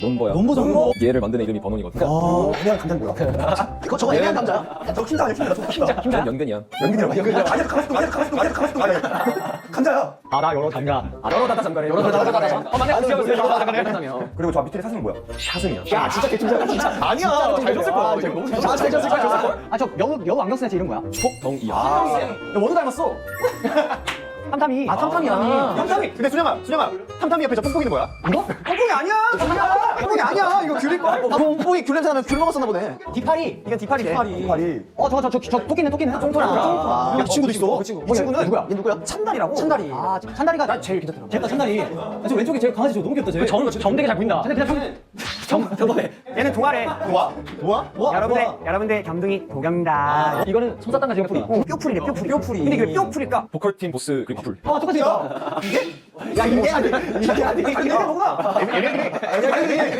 논버야. 논버? 얘를 만드는 이름이 번원이거든. 애매한 감자는 뭐야? 이거 저거 애매한 감자야? 저 흰자 아니야? 흰자. 난 연근이야. 연근이야. 아니야, 가만있어. 감자야. 바다 여러 장가. 여러 다다 잠가래. 여러 다다 잠가. 맞네. 잠가래. 그리고 저 밑에 사슴은 뭐야? 샤승이야. 야 진짜 개춤잘 진짜. 아니야. 잘 줬을 거야. 잘 줬을 거야. 아저 여우 안경 쓰는 애 이름 뭐야? 촉덩이야. 야, 원우 닮았어. 탐탐이. 탐탐이야. 탐탐이. 근데 순영아. 탐탐이 옆에 저 뽕뽕이는 뭐야? 이거? 뽕뽕이 아니야. 뽕뽕이 아니야. 이거 귤일걸? 뽕뽕이 귤 냄새 나면 귤 먹었었나 보네. 디파리. 이건 디파리래. 디파리. 저 토끼네. 쫑토라. 이 친구도 있어. 이 친구는 누구야? 얘 누구야? 찬달이라고. 찬달이. 아 찬다리가 나 제일 괜찮더라. 제가 찬다리. 저 왼쪽에 제일 강아지 저 너무 귀엽다 쟤. 정되게 잘 보인다. 근데 그냥 얘는 동아래. 도와? 여러분들 겸둥이 도겸입니다. 이거는 솜사탕과 지금 뿌리. 뼈풀이래, 뼈풀이. 근데 이게 왜 뼈풀일까? 보컬팀 보스 그리고 커플. 똑같이 생겼다. 야, 이게 아니. 이게 뭐구나.